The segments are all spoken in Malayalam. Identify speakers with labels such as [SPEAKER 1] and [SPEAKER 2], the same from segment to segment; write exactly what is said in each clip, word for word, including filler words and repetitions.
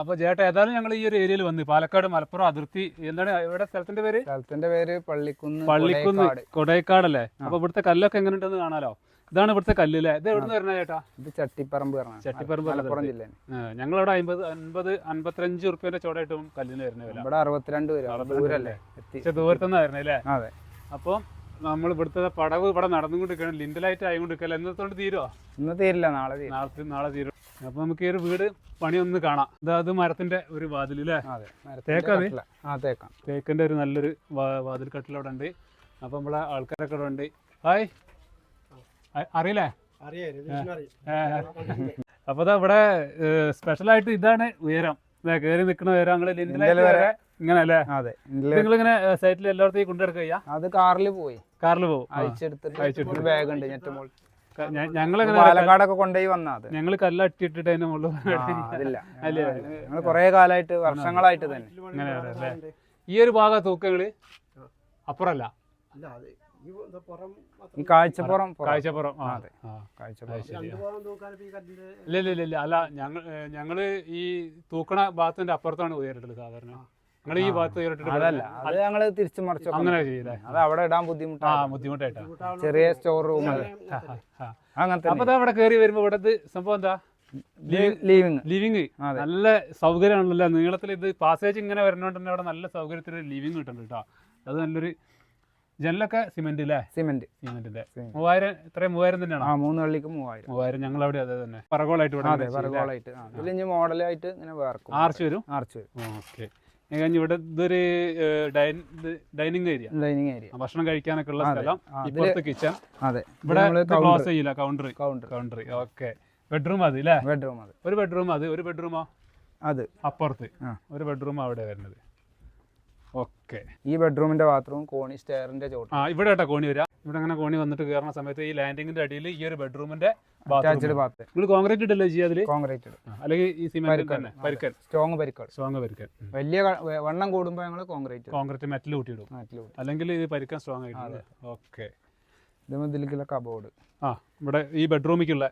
[SPEAKER 1] അപ്പൊ ചേട്ടാ ഏതായാലും ഞങ്ങൾ ഈ ഒരു ഏരിയയിൽ വന്ന് പാലക്കാട് മലപ്പുറം അതിർത്തി എന്താണ് ഇവിടെ സ്ഥലത്തിന്റെ പേര്
[SPEAKER 2] സ്ഥലത്തിന്റെ പേര് പള്ളിക്കുന്ന്
[SPEAKER 1] പള്ളിക്കുന്ന് കൊടൈക്കാടല്ലേ. അപ്പൊ ഇവിടുത്തെ കല്ലൊക്കെ എങ്ങനെ ഉണ്ടെന്ന് കാണാലോ. ഇതാണ് ഇവിടുത്തെ കല്ല് അല്ലേ. ഇത് എവിടെ നിന്ന് വരുന്ന ചേട്ടാ?
[SPEAKER 2] ഇത് ചട്ടിപ്പറമ്പ്
[SPEAKER 1] ചട്ടിപ്പറമ്പ്
[SPEAKER 2] മലപ്പുറം ജില്ല.
[SPEAKER 1] ഞങ്ങളവിടെ അമ്പത് അൻപത് അൻപത്തഞ്ച് റുപ്യന്റെ ചോടായിട്ടും കല്ലിന് വരുന്ന വില.
[SPEAKER 2] ഇവിടെ അറുപത്തിരണ്ട് ദൂരല്ലേ
[SPEAKER 1] പക്ഷെ ദൂരത്തുനിന്ന് വരുന്നത് അല്ലേ.
[SPEAKER 2] അതെ.
[SPEAKER 1] അപ്പൊ നമ്മൾ ഇവിടുത്തെ പടവ് ഇവിടെ നടന്നുകൊണ്ടിരിക്കണം. ലിൻഡലായിട്ട് ആയിക്കൊണ്ടിരിക്കല്ലോ. എന്നത്തോണ്ട് തീരുവോ?
[SPEAKER 2] ഇന്ന് തീരില്ല, നാളെ
[SPEAKER 1] നാളെ നാളെ തീരും. അപ്പൊ നമുക്ക് ഈ ഒരു വീട് പണി ഒന്ന് കാണാം. അത് മരത്തിന്റെ ഒരു വാതിൽ അല്ലേ. തേക്കാത് തേക്കിന്റെ ഒരു നല്ലൊരു വാതിൽ കട്ടിൽ അവിടെ ഉണ്ട്. അപ്പൊ നമ്മളെ ആൾക്കാരൊക്കെ ഇവിടെ ഉണ്ട്. ഹായ്, അറിയില്ലേ? അപ്പൊ ഇവിടെ സ്പെഷ്യലായിട്ട് ഇതാണ് ഉയരം. കയറി നിൽക്കുന്ന ഉയരം ഞങ്ങള് ലിൻഡലായിട്ട് വരെ ഇങ്ങനെ അല്ലേ. നിങ്ങൾ ഇങ്ങനെ സൈറ്റിൽ എല്ലായിടത്തും കൊണ്ടുനടക്കുക?
[SPEAKER 2] അത് കാറിൽ പോയി കാറിൽ പോകും.
[SPEAKER 1] അയച്ചെടുത്തിട്ട്
[SPEAKER 2] ബാഗ് ഉണ്ട് ഞെട്ടുമ്പോൾ
[SPEAKER 1] ഞങ്ങള്
[SPEAKER 2] പാലക്കാടൊക്കെ കൊണ്ടുപോയി വന്നത്.
[SPEAKER 1] ഞങ്ങള് കല്ലട്ടിട്ടിട്ട് അതിന്റെ മുകളിൽ
[SPEAKER 2] ഞങ്ങൾ കുറെ കാലമായിട്ട് വർഷങ്ങളായിട്ട് തന്നെ
[SPEAKER 1] അങ്ങനെ. ഈ ഒരു ഭാഗം തൂക്കങ്ങള് അപ്പുറല്ല,
[SPEAKER 2] ഈ കാഴ്ചപ്പുറം
[SPEAKER 1] കാഴ്ചപ്പുറം ഇല്ല ഇല്ല ഇല്ല അല്ല. ഞങ്ങൾ ഞങ്ങള് ഈ തൂക്കണ ഭാഗത്തിന്റെ അപ്പുറത്താണ് ഉയരിട്ടത് സാധാരണ. നിങ്ങൾ ഈ ഭാഗത്ത് ഉയരിട്ടിട്ട്
[SPEAKER 2] അതല്ല, അത് ഞങ്ങള് തിരിച്ചു മറിച്ചു അങ്ങനെ
[SPEAKER 1] ചെയ്യില്ലേ.
[SPEAKER 2] അത് അവിടെ ഇടാൻ ബുദ്ധിമുട്ടാ
[SPEAKER 1] ബുദ്ധിമുട്ടായിട്ടാ.
[SPEAKER 2] ചെറിയ സ്റ്റോർ റൂം അങ്ങനത്തെ.
[SPEAKER 1] അപ്പൊ അവിടെ കയറി വരുമ്പോ ഇവിടെ സംഭവം എന്താ?
[SPEAKER 2] ലിവിങ്
[SPEAKER 1] ലിവിങ് നല്ല സൗകര്യമാണല്ലോ. നീളത്തിൽ ഇത് പാസേജ് ഇങ്ങനെ വരുന്നോണ്ട് തന്നെ അവിടെ നല്ല സൗകര്യത്തിൽ ലിവിങ് കിട്ടുന്നുണ്ട് കേട്ടോ. അത് നല്ലൊരു ജനലൊക്കെ സിമെന്റ് അല്ലേ. സിമെന്റ് സിമെന്റിന്റെ മൂവായിരം ഇത്രയും മൂവായിരം തന്നെയാണ്.
[SPEAKER 2] ആ മൂന്ന് വള്ളിക്ക് മൂവായിരം
[SPEAKER 1] മൂവായിരം ഞങ്ങൾ അവിടെ അതെ തന്നെ പറകോളായിട്ട്
[SPEAKER 2] പറകോളായിട്ട് ഇതിൽ മോഡലായിട്ട് ഇങ്ങനെ വേർക്കും.
[SPEAKER 1] ആർച്ച് വരും ആർച്ച് വരും ഓക്കെ. കഴിഞ്ഞ് ഇവിടെ ഇതൊരു ഡൈനിങ് ഏരിയ ഡൈനിങ് ഏരിയ ഭക്ഷണം കഴിക്കാനൊക്കെ ഉള്ള സ്ഥലം. ഇപ്പുറത്ത് കിച്ചൺ. അതെ. ഇവിടെ ക്ലോസ് ചെയ്യില്ല, counter counter counter okay. Bedroom അത് അല്ലേ. ബെഡ്റൂം അത് ഒരു ബെഡ്റൂം അത് ഒരു ബെഡ്റൂമോ അത് അപ്പുറത്ത് ഒരു ബെഡ്റൂം അവിടെ വരുന്നത്. ഓക്കെ.
[SPEAKER 2] ഈ ബെഡ്റൂമിന്റെ ബാത്റൂം കോണി സ്റ്റെയറിന്റെ ചോട്ട്.
[SPEAKER 1] ആ ഇവിടെ കേട്ടോ കോണി വരാം. ഇവിടെ അങ്ങനെ കോണി വന്നിട്ട് കയറുന്ന സമയത്ത് ഈ ലാൻഡിങ്ങിന്റെ അടിയിൽ ഈ ഒരു ബെഡ്റൂമിന്റെ നിങ്ങൾ കോൺക്രീറ്റ് ഇട്ടല്ലേ ചെയ്യാതില്? കോൺക്രീറ്റ് അല്ലെങ്കിൽ ഈ സിമെന്റ് തന്നെ പരിക്കൻ സ്ട്രോങ് പരിക്കൻ സ്ട്രോങ് പരിക്കൻ. വലിയ വണ്ണം കൂടുമ്പോൾ ഞങ്ങൾ കോൺക്രീറ്റ് കോൺക്രീറ്റ് മെറ്റൽ കൂട്ടിയിടും. അല്ലെങ്കിൽ ഇത് പരിക്കൻ സ്ട്രോങ് ആയിട്ട്. ഓക്കെ. ഇതിലേക്കുള്ള കബോർഡ്. ആ ഇവിടെ ഈ ബെഡ്റൂമിക്കുള്ള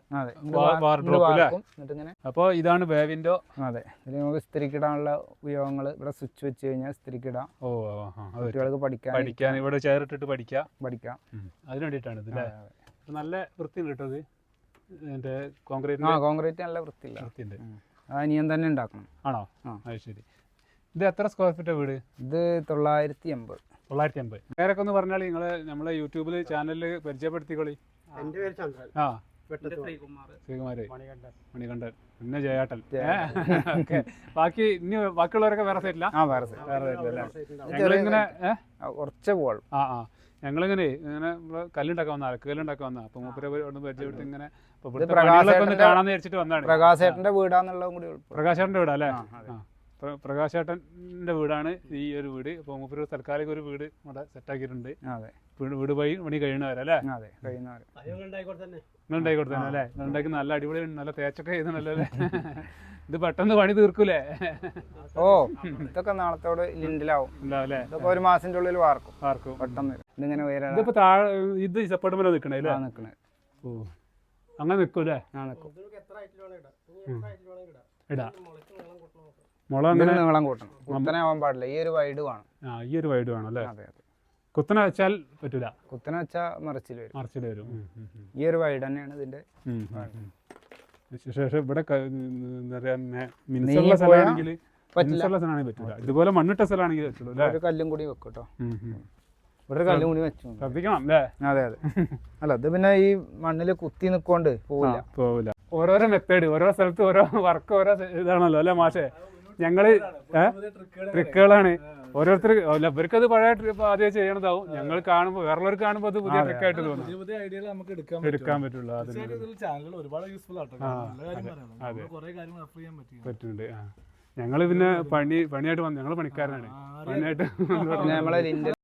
[SPEAKER 1] അപ്പൊ ഇതാണ് വേവിൻഡോ. അതെ. ഇതിൽ നമുക്ക് സ്ത്രീക്കിടാനുള്ള ഉപയോഗങ്ങള്. ഇവിടെ സ്വിച്ച് വെച്ച് കഴിഞ്ഞാൽ സ്ത്രീക്കിടാം. ഓ കുട്ടികൾക്ക് പഠിക്കാൻ പഠിക്കാൻ ഇവിടെ ചെയർ ഇട്ടിട്ട് പഠിക്കാം പഠിക്കാം അതിന് വേണ്ടിയിട്ടാണ് ഇത്. നല്ല വൃത്തിയുണ്ട് കേട്ടോ ഇത്. എന്റെ കോൺക്രീറ്റ് കോൺക്രീറ്റ് നല്ല വൃത്തിയില്ല വൃത്തിയുണ്ട്. അനിയൻ തന്നെ ഉണ്ടാക്കണം. ആണോ? അത് ശരി. ഇത് എത്ര സ്ക്വയർ ഫീറ്റ് വീട്? ഇത് തൊള്ളായിരത്തി എൺപത് തൊള്ളായിരത്തി അമ്പത്. പേരൊക്കെ ഒന്ന് പറഞ്ഞാൽ നിങ്ങള് നമ്മളെ യൂട്യൂബില് ചാനലില് പരിചയപ്പെടുത്തിക്കോളി. ആ ശ്രീകുമാര് മണികണ്ഠൻ പിന്നെ ജയാട്ടൻ. ബാക്കി ഇനി ബാക്കിയുള്ളവരൊക്കെ വേറെ സൈറ്റില്ല. ഞങ്ങളിങ്ങനെ കുറച്ച് പോളും. ആ ആ ഞങ്ങളിങ്ങനെ ഇങ്ങനെ കല്ലുണ്ടാക്കാൻ വന്ന അലക്ക് കല്ലുണ്ടാക്കാൻ വന്ന അപ്പൊ മൂപ്പരെ പരിചയപ്പെടുത്തി ഇങ്ങനെ കാണാന്ന് വിചാരിച്ചിട്ട് വന്നാണ്. പ്രകാശേട്ടന്റെ വീടാന്നുള്ളതും കൂടി. പ്രകാശേട്ടന്റെ വീടാ അല്ലേ. പ്രകാശേട്ടന്റെ വീടാണ് ഈ ഒരു വീട്. അപ്പൊ മൂപ്പര് തൽക്കാലിക ഒരു വീട് ഇവിടെ സെറ്റാക്കിയിട്ടുണ്ട്. വീട് പോയി പണി കഴിയണവരല്ലേ. നിങ്ങൾ ഉണ്ടായിക്കോട്ടെ തന്നെ അല്ലേ. ഉണ്ടാക്കി നല്ല അടിപൊളി നല്ല തേച്ചൊക്കെ ചെയ്തണല്ലോ അല്ലേ. ഇത് പെട്ടെന്ന് പണി തീർക്കൂലേ?
[SPEAKER 2] ഓ ഇതൊക്കെ നാളത്തോട് ലിൻഡിലാവും അല്ലേ. ഇതൊക്കെ ഒരു മാസത്തിന്റെ ഉള്ളിൽ വാർക്കും വാർക്കും പെട്ടെന്ന്. ഇതിങ്ങനെ ഇതിപ്പോ താഴെ ഇത് ഇഷ്ടപ്പെടുമ്പോൾ നിൽക്കണേ അല്ലേ. നിൽക്കണേ. ഓ അങ്ങനെ നിൽക്കൂലേ. ആ നിൽക്കും. ഇടാ മുള അങ്ങനെ നീളം കൂട്ടണം. കുത്തനെ ആവാൻ പാടില്ല. ഈ ഒരു വൈഡ് വേണം. ആ ഈ ഒരു വൈഡ് വേണം അല്ലേ. അതെ അതെ. കുത്തനെ വെച്ചാൽ പറ്റൂല. കുത്തനെ വെച്ചാൽ മറിച്ചിൽ വരും മറിച്ചിൽ വരും. ഈ ഒരു വൈഡ് തന്നെയാണ് ഇതിന്റെ. ശേഷം ഇവിടെ മിനുസുള്ള സ്ഥലമാണെങ്കിൽ മിനുസുള്ള സ്ഥലമാണെങ്കിൽ പറ്റൂല. ഇതുപോലെ മണ്ണിട്ട സ്ഥലമാണെങ്കിൽ പറ്റുള്ളൂ അല്ലേ. ഒരു കല്ലും കൂടി വെക്കും കേട്ടോ. ഇവിടെ ഒരു കല്ലും കൂടി വെച്ചു ശ്രദ്ധിക്കണം അല്ലേ. അതെ അതെ. അല്ല ഇത് പിന്നെ ഈ മണ്ണിൽ കുത്തി നിൽക്കൊണ്ട് പോവില്ല പോവില്ല. ഓരോരോ മെത്തേഡ് ഓരോ സ്ഥലത്ത് ഓരോ വർക്ക് ഓരോ ഇതാണല്ലോ അല്ലേ മാഷേ. ഞങ്ങള് ട്രിക്കുകളാണ് ഓരോരുത്തർ. ഇവർക്കത് പഴയ ട്രിപ്പ് ആദ്യം ചെയ്യണതാവും. ഞങ്ങൾ കാണുമ്പോൾ വേറുള്ളവർക്ക് കാണുമ്പോൾ അത് പുതിയ ട്രിക്കായിട്ട് തോന്നും. എടുക്കാൻ പറ്റുള്ളൂ. പറ്റുന്നുണ്ട്. ഞങ്ങള് പിന്നെ പണി പണിയായിട്ട് വന്നു. ഞങ്ങള് പണിക്കാരനാണ്. പണിയായിട്ട്